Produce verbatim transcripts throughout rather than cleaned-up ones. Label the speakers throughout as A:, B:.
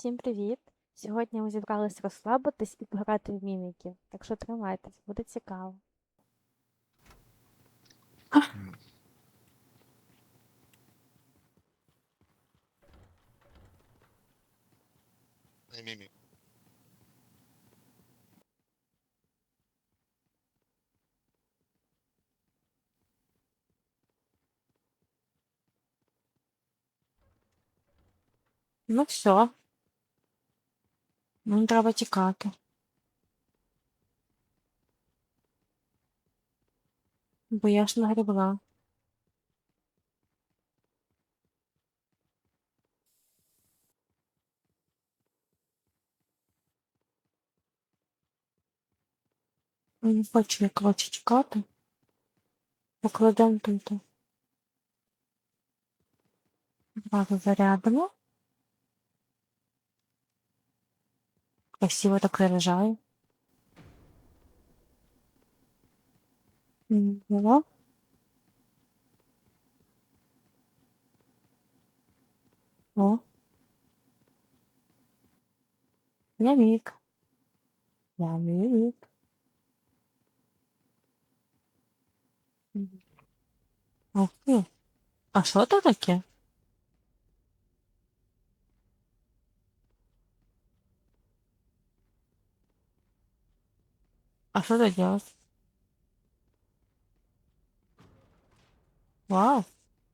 A: Всім привіт! Сьогодні ми зібрались розслабитись і пограти в міміки. Так що тримайтесь, буде цікаво.
B: Не мімі.
A: Ну все, мені треба тікати. Бо я ж нагребла. Я не хочу я, коротше, чекати. Покладемо тут. Зразу зарядимо. Красиво так заряджаю. Було. О. Я мік. Я мік. Ух ти. А що це таке? А що це делать? Вау.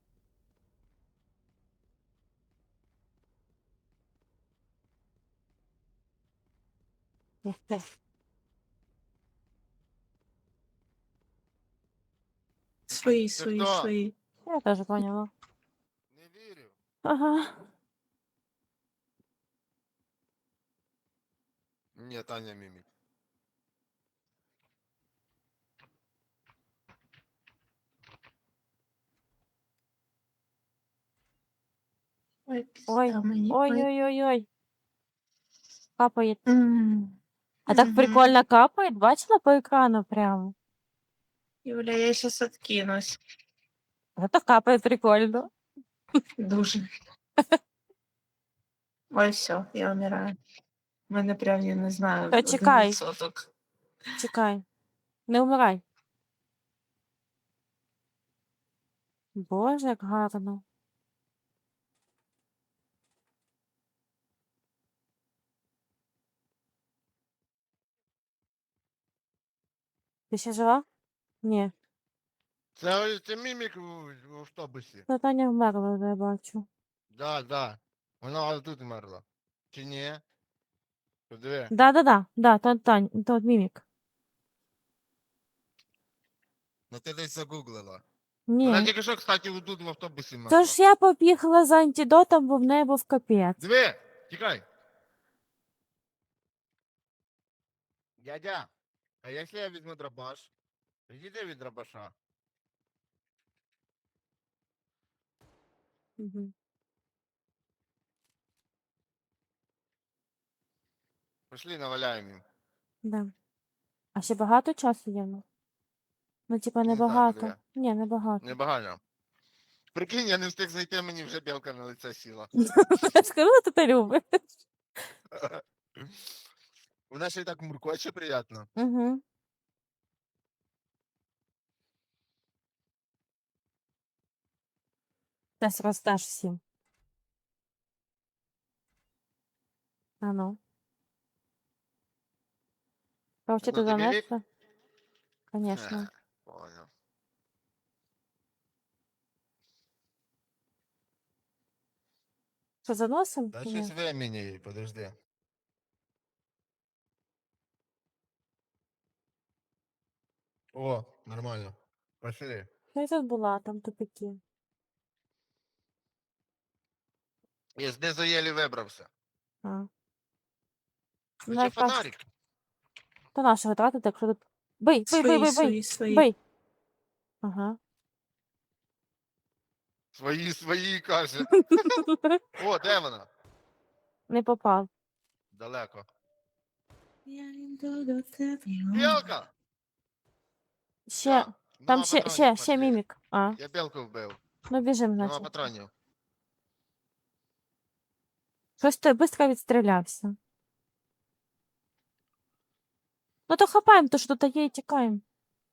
A: Ух ти.
C: Свої,
B: Це
C: свої,
B: хто?
C: свої.
A: Я теж поняла.
B: Не вірю.
A: Ага.
B: Ні, Таня мімік.
C: Ой,
A: Ой,
C: пізда мені. Ой.
A: ой-ой-ой-ой. Капає.
C: М.
A: А так
C: Мгм.
A: прикольно капает, бачила по экрану прям?
C: Юля, я щас откинусь.
A: Это капает прикольно.
C: Дуже. Ой, все, я вмираю. У мене прям, я не знаю,
A: Та
C: один
A: чекай,
C: відсоток.
A: чекай. Не умирай. Боже, як гарно. Ти ще жива? Ні.
B: Це, це мімік в, в автобусі.
A: Та Таня вмерла, вже я бачу.
B: Да, да. Вона тут вмерла. Чи ні? Подиви.
A: Да-да-да, да, то Тань, то мімік.
B: Ну ти десь загуглила.
A: Ні.
B: Вона тільки що, кстати, тут в автобусі
A: То
B: вмерла.
A: ж я побігла за антидотом, бо в неї був капець.
B: Диви! Тікай! Дядя, а якщо я візьму дробаш? Відійди від дробаша.
A: Угу.
B: Пішли, наваляємо їм.
A: Да. А ще багато часу є в нас? Ну, типа,
B: Не знаю,
A: небагато.
B: подиви.
A: Ні, небагато.
B: Небагато. Прикинь, я не встиг зайти, мені вже білка на лице сіла.
A: Скажу, ти те любиш.
B: Вона ще й так муркоче приємно.
A: Угу. Зараз роздаш всім. А ну. Короче,
B: Ну,
A: ти
B: ти мімік?
A: занесла? Конечно.
B: Ха, понял.
A: Що, заносим?
B: Дай
A: Ні.
B: щось времени, подожди. О, нормально. Пошли.
A: Я й тут була, там тупики.
B: Я знизу єлі вибрався.
A: А.
B: Хоча
A: Ну, якраз
B: фонарик.
A: до нашого тратити, якщо тут... Бий, бий, бий,
C: Свої,
A: бий, бий,
C: свої, свої.
A: бий. Ага.
B: Свої, свої, каже. О, де вона?
A: Не попав.
B: Далеко.
C: Я йду до тебе.
B: Білка!
A: Ще,
B: Всё,
A: там
B: нема
A: ще,
B: патронів,
A: ще, ще
B: пошли.
A: мімік. А,
B: Я білку вбив.
A: ну біжим,
B: Нема
A: значить.
B: патронів.
A: Щось ти швидко відстрілявся. Ну то хапаємо, то що тут є, і тікаємо.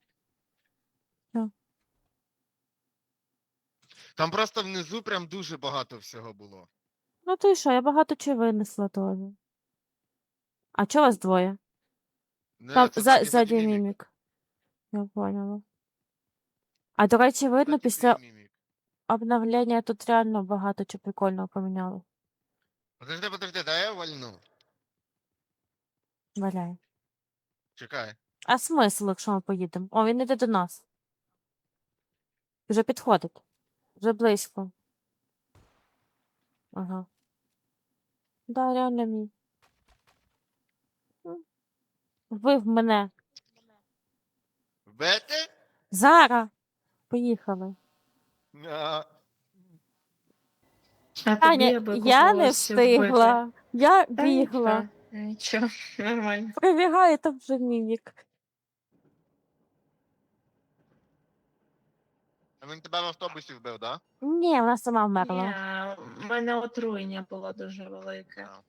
B: Там просто внизу прям дуже багато всього було.
A: Ну то і що, я багато чого винесла теж. А чого вас двоє?
B: Не,
A: Там
B: це
A: за,
B: ззаді,
A: ззаді
B: ззаді мімік.
A: мімік. Я поняла. А до речі, видно,
B: Ззаді
A: після
B: твій мімік.
A: обновлення тут реально багато чого прикольного поміняло.
B: Подожди, подожди, дай я вальну.
A: Валяй.
B: Чекай.
A: А смисл, якщо ми поїдемо? О, він іде до нас. Вже підходить. Вже близько. Ага. Да, реально мій. М. Вбив мене.
B: Вбити?
A: Зара! Поїхали.
B: А,
C: А тобі
A: Таня,
C: аби
A: я не
C: когось вбити.
A: встигла. Я
C: Та
A: бігла.
C: нічого, нічого, нормально.
A: Прибігає там вже мімік.
B: а він тебе в автобусі вбив, да?
A: Ні, вона сама
C: Ні,
A: вмерла.
C: в мене отруєння було дуже велике.
B: А.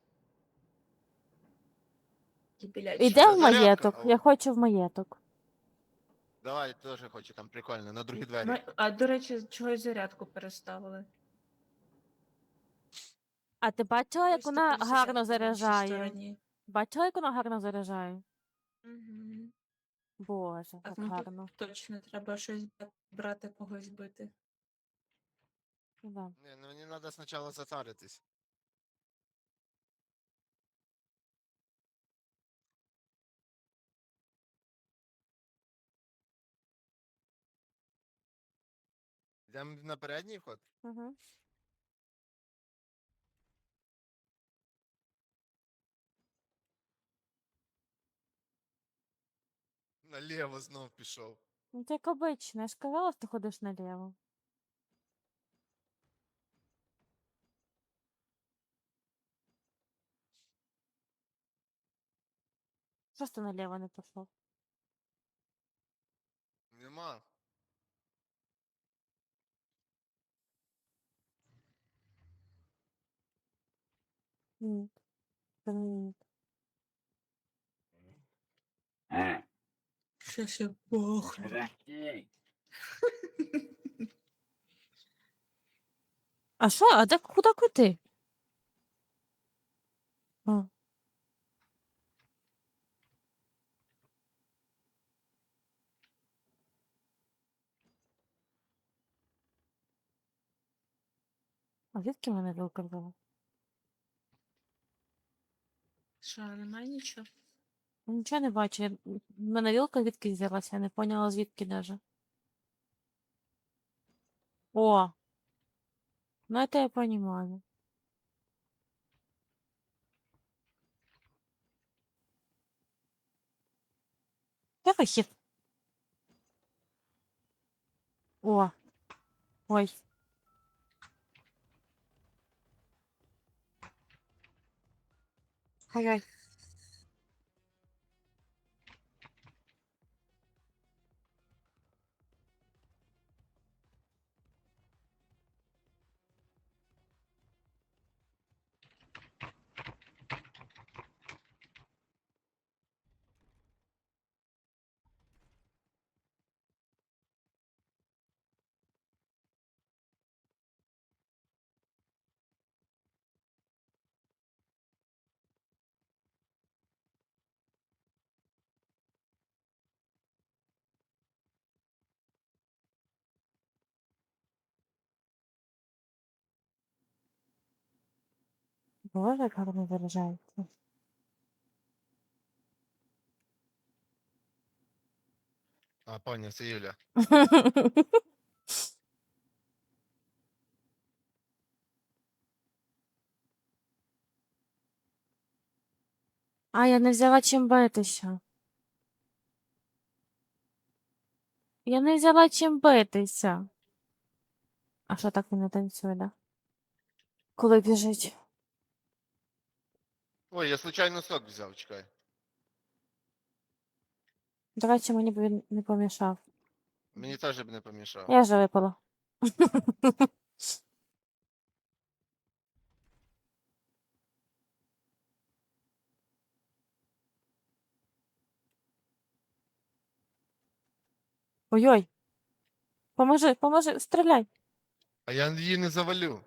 C: Кипіляче.
A: Іде
B: Це
A: в
B: зарядка.
A: маєток.
B: О.
A: Я хочу в маєток.
B: Давай, теж хочу, там прикольно, на другі двері.
C: Ми- А до речі, чогось зарядку переставили.
A: А ти бачила, як
C: Ось
A: вона
C: тепер
A: гарно
C: зарядка в іншій
A: заряджає?
C: стороні.
A: Бачила, як вона гарно заряджає?
C: Мгм.
A: Боже,
C: Так,
A: так
C: ну тут
A: гарно.
C: точно треба щось бра- брати, когось бити.
A: Да.
B: Ні, ну мені треба спочатку затаритись. Йдемо на передній ход?
A: Угу.
B: Наліво знов пішов.
A: Ну, ти як обично, я ж казала, що ти ходиш наліво. Що ж ти наліво не пішов?
B: Нема.
A: Ні. Це не ні.
C: Щось я пахну.
A: А що? А де куди куди? А. А звідки мене вилка взяла?
C: Що, немає нічого?
A: Нічого не бачу. Я... в мене вілка звідки взялася, я не поняла звідки даже. О! Ну это я понимаю. Я вихід. О! Ой. Ой-ой. Боже, як гарно заряджається.
B: А, поняв, це Юля.
A: А, я не взяла чим битися. Я не взяла чим битися. А що так він не танцює, да? Коли біжить?
B: Ой, я случайно сок взяв, чекай.
A: До речі, мені б він не помішав.
B: Мені теж б не помішав.
A: Я вже випала. Ой-ой. Поможи, поможи, стріляй.
B: А я її не завалю.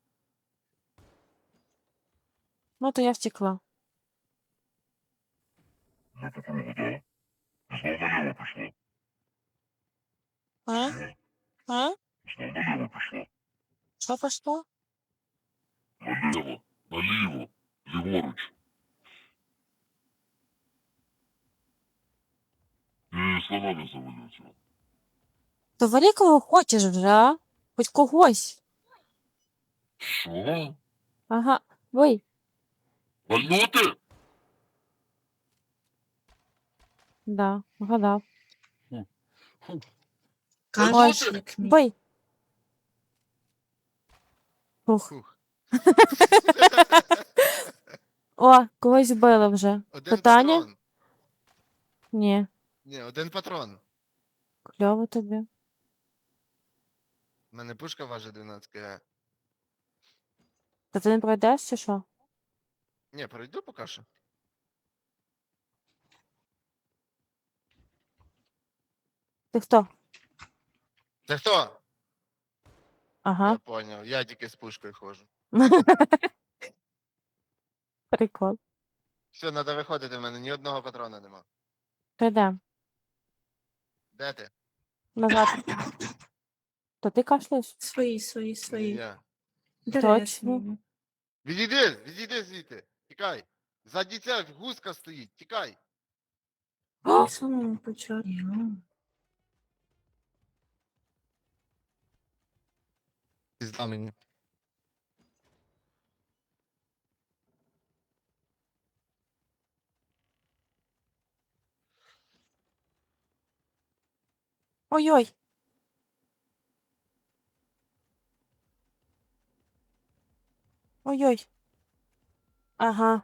A: Ну, то я втекла.
D: Я по кругу, да. Знов наліво пішла.
A: А? А?
D: Знов наліво пішла.
A: Що пошло?
D: Наліво. Наліво. Ліворуч. Я її слона не завалю цього.
A: То валі кого хочеш вже, а? Хоч когось.
D: Що?
A: Ага. Ой,
D: Вальнути?
A: да, вгадав.
D: Фу.
C: Кашляк мій.
A: Бий. Ух.
B: Фух.
A: О, когось вбили вже.
B: Один
A: Питання?
B: патрон.
A: Ні.
B: Ні, один патрон.
A: Кльово тобі.
B: У мене пушка важить дванадцять кг.
A: Та ти не пройдеш чи що?
B: Ні, пройду поки що.
A: Ти хто?
B: Це хто? Я
A: Ага.
B: поняв. Я тільки з пушкою ходжу.
A: Прикол.
B: Все, треба виходити, в мене ні одного патрона нема.
A: То йдем.
B: Де ти?
A: Назад. То ти кашляєш?
C: Свої, свої,
B: Ні,
C: свої.
B: я.
C: Інтересно.
B: Відійди, відійди звідти. Тікай. Ззаді ця гуска стоїть, тікай.
C: В самому початку.
B: Пізда мені.
A: Ой-ой. Ой-ой. Ага.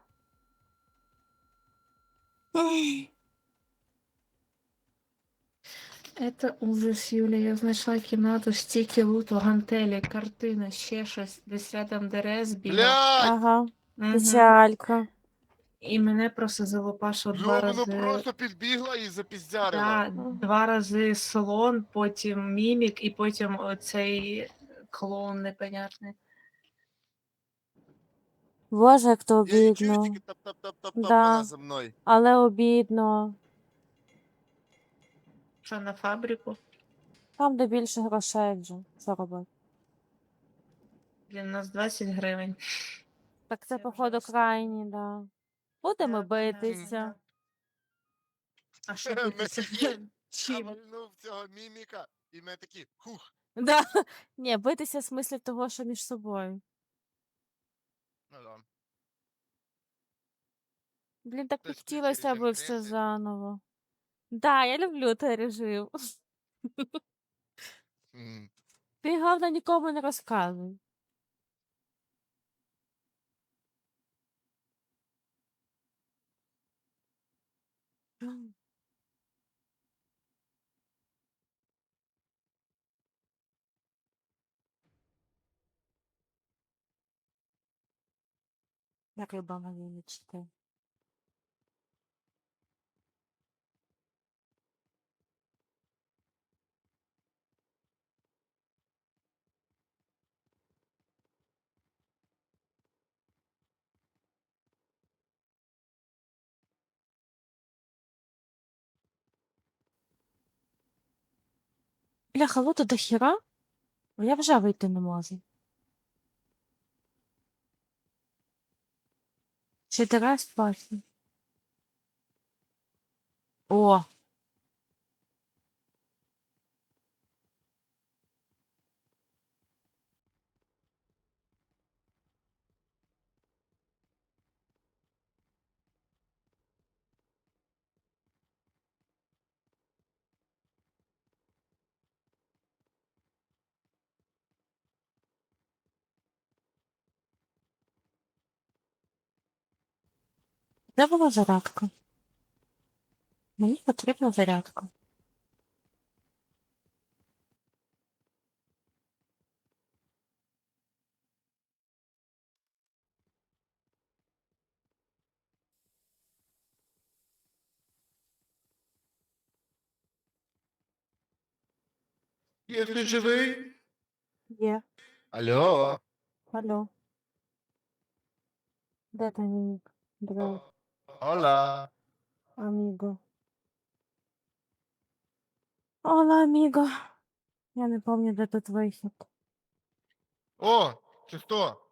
C: Это ужас, Юля. Я знайшла кімнату, стільки луту, гантелі, картина, ще щось, десь рядом ДРС бігав.
B: Блядь!
A: Ага.
C: Мгм.
A: Печалька.
C: І мене просто залопашило два
B: Йо, воно
C: рази.
B: просто підбігла і запіздярила.
C: Да, два рази слон, потім мімік, і потім оцей клоун непонятний.
A: Боже, як то
B: Я її чую,
A: обідно.
B: тільки тап-тап-тап-тап,
A: Да.
B: вона за мною.
A: Але обідно.
C: Що на фабрику?
A: Там, де більше грошей вже. Що робити?
C: Блін, у нас двадцять гривень.
A: Так це,
C: Це
A: походу,
C: ужасно.
A: крайні, да. Будемо
C: Да, да, да,
A: битися.
C: да. А що
B: Ми
C: битися?
B: такі, Я
C: Чим?
B: вальнув цього міміка, і ми такі, хух.
A: Да. Ні, битися в смислі того, що між собою.
B: Ну да.
A: Блін, так
B: Хтось
A: хотілося
B: включить
A: б
B: режим
A: все
B: криси.
A: заново. Да, я люблю той режим.
B: М.
A: Ти, головне, нікому не розказуй. Як люба малиночка. Бляха, луту до хіра? Бо я вже вийти не можу. Ще ти раз бачу. О! Де була зарядка? Мені потрібна зарядка.
B: Є хтось живий?
A: Є.
B: Алло.
A: Алло. Де ти, Нік? Бро,
B: Ола.
A: аміго. Ола, аміго. Я не пам'ятаю, де тут вихід.
B: О, це хто?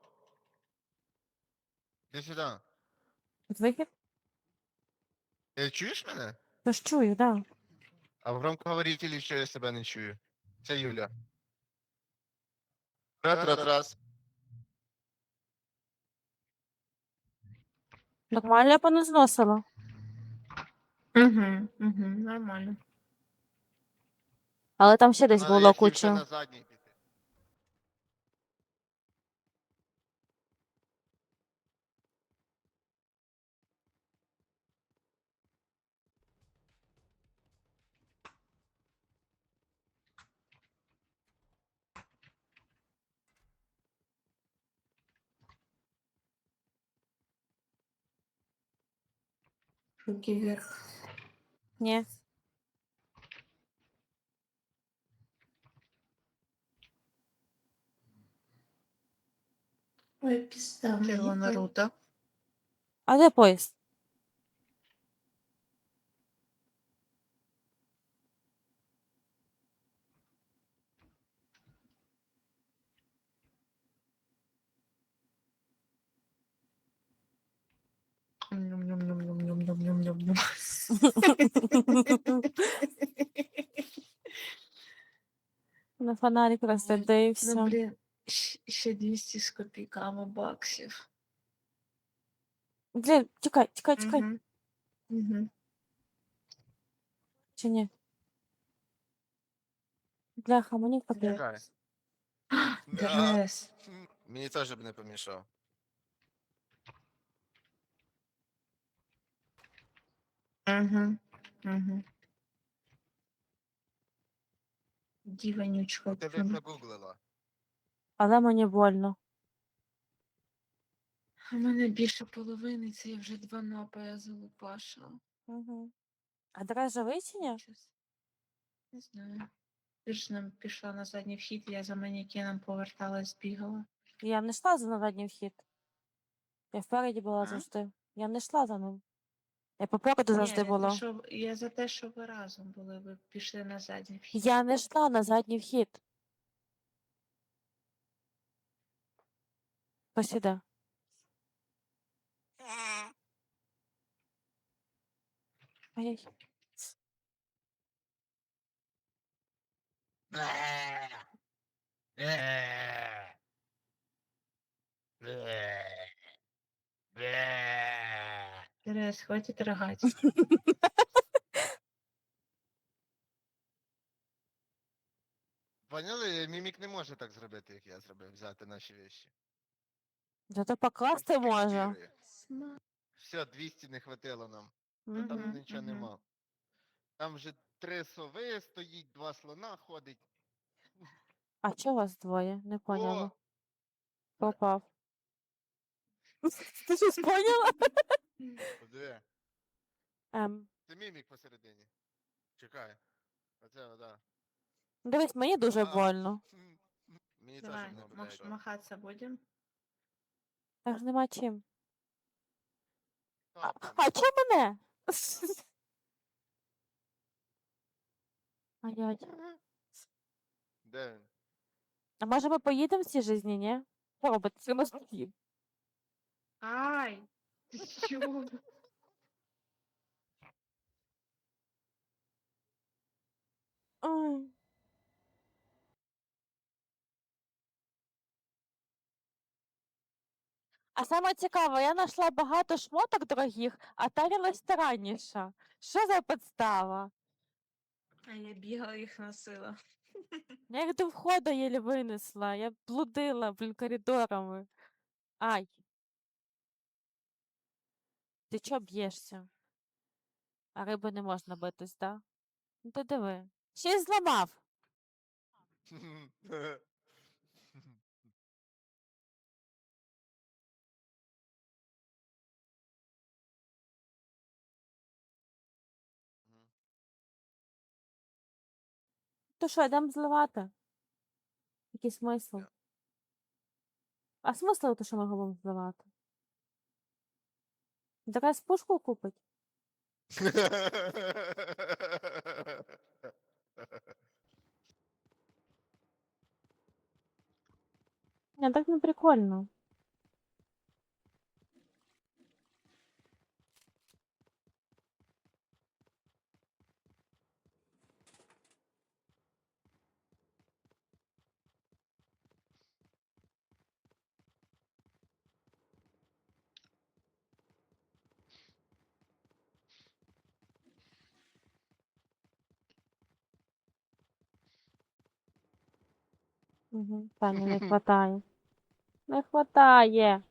B: Іди сюди.
A: Тут вихід?
B: Ти чуєш мене?
A: Тож чую, да.
B: А в громкоговорителі що я себе не чую. Це Юля. Раз, раз, раз.
A: Нормально я поназносила.
C: Угу, угу, нормально.
A: Але там ще десь
B: Надо,
A: було
B: якщо вже на
A: куча.
B: задній піти.
C: Руки вверх.
A: Ні.
C: Ой, пізда. Червона рута.
A: А де поїзд?
C: Ням-ням-ням-ням-ням-ням-ням-ням.
A: На фонарик
C: Ну,
A: розсадився.
C: блін, щ- ще двісті з копійками баксів.
A: Блін, чекай, чекай, чекай.
C: Угу. Угу.
A: Чи ні? Бляха, мені капець.
B: Чекай.
C: Дрес.
B: Мені теж б не помішав.
C: Угу. Угу. Діванючка.
B: Ти б загуглила.
A: Але мені больно.
C: У мене більше половини, це я вже два напої залупашила.
A: Угу. А дрес живий чи ні?
C: Щас. Не знаю. Ти ж нам пішла на задній вхід, я за манекеном поверталась, бігала.
A: Я не йшла за на задній вхід. Я впереді була
C: А?
A: завжди. Я не йшла за ним. Я попереду
C: Ні,
A: завжди
C: я, те,
A: була.
C: що, я за те, що ви разом були, ви пішли на задній вхід.
A: Я не йшла на задній вхід. Посіда. Ай-яй.
C: Терес, хватить рогать.
B: Поняли? Мімік не може так зробити, як я зробив, взяти наші вещи.
A: Зато покласти може.
B: Копірує. Все, двісті не хватило нам. Ну там
C: Мгм,
B: нічого
C: мгм.
B: нема. Там вже три сови стоїть, два слона ходить.
A: А чого вас двоє? Не поняла.
B: О!
A: Попав. Ти щось поняла?
B: Подиви.
A: Ем.
B: Це мімік посередині. Чекай. Оце, да.
A: Дивись, мені дуже
B: А.
A: больно.
B: Мені теж
C: Давай,
B: не
C: мах-
B: блядь.
C: махаться будем.
A: Так ж нема чим. А,
B: Там,
A: а чого мене? Ай-яй.
B: Де він?
A: А може ми поїдемо в цій житті, ні? Що робити? Це ми стоїмо.
C: Ай! Ти чого?
A: Ой. А саме цікаве, я знайшла багато шмоток дорогих, а тарілась старанніша. Що за підстава?
C: А я бігала їх носила.
A: Я їх до входу єлі винесла. Я блудила, блін, коридорами. Ай. Ти чого б'єшся? А риби не можна битись, да? Ну ти диви. Ще й зламав. То що, йдемо зливати? Який смисл?
B: Ні.
A: А смисл то, що ми голову зливати? Якась пушку купить? Не, так не прикольно. Угу. Тані не хватає. Не хватає.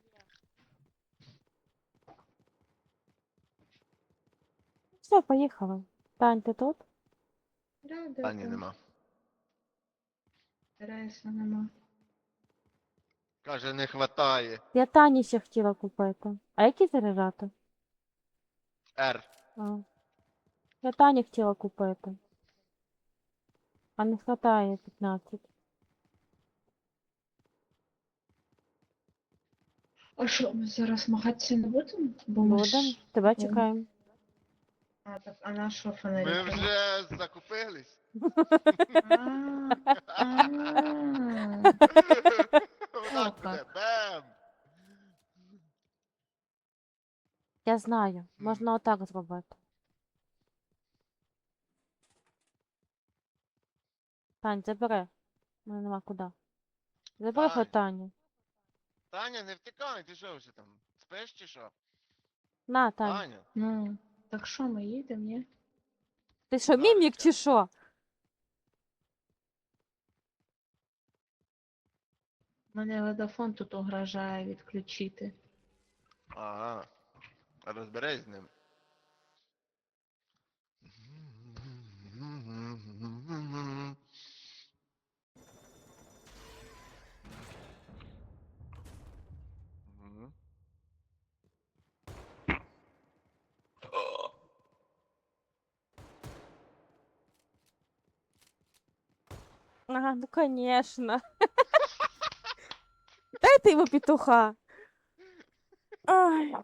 A: Все, поїхали. Тань, ти тут?
C: Да, да,
B: Тані
C: да.
B: нема.
C: Стараюся, нема.
B: Каже, не хватає.
A: Я Тані ще хотіла купити. А які заряджати?
B: Р.
A: А. Я Тані хотіла купити. А не хватає п'ятнадцять.
C: А що, ми зараз змагатися не будемо? Бо ми
A: Будем.
C: ж...
A: Тебе
C: ну,
A: чекаємо.
C: А, так, а на що
B: Ми
C: фонарик?
B: вже закупились.
C: А, а.
B: Отак буде.
C: як.
B: Бем!
A: Я знаю. Можна отак зробити. Тань, забери. У мене нема куди. Забери
B: Тань.
A: хоч Таню.
B: Таня, не втікай, ти що вже там? Спиш чи що?
A: На, Тань.
B: Таня.
C: Ну, так що, ми їдемо, ні?
A: Ти що,
B: Зараз
A: мімік чи
B: я.
A: що?
C: Мене ледафон тут угрожає відключити.
B: Ага. Розберись з ним. Мгм.
A: Ага, ну конечно. Дайте йому петуха. Ай.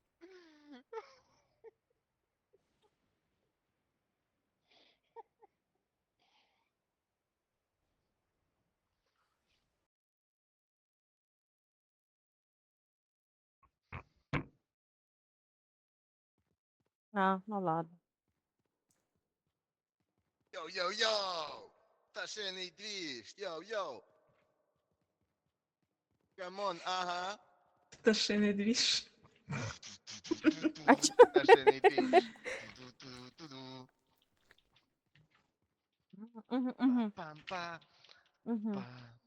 A: А, ну ладно.
B: Йоу-йоу-йоу! Пташиний двіж! Йоу-йоу! Камон, ага!
C: Пташиний двіж.
A: А чо?
B: Пташиний двіж! Ту-ту-ту-ту.
A: Угу, угу,
B: Пам-па,
A: угу.
B: па.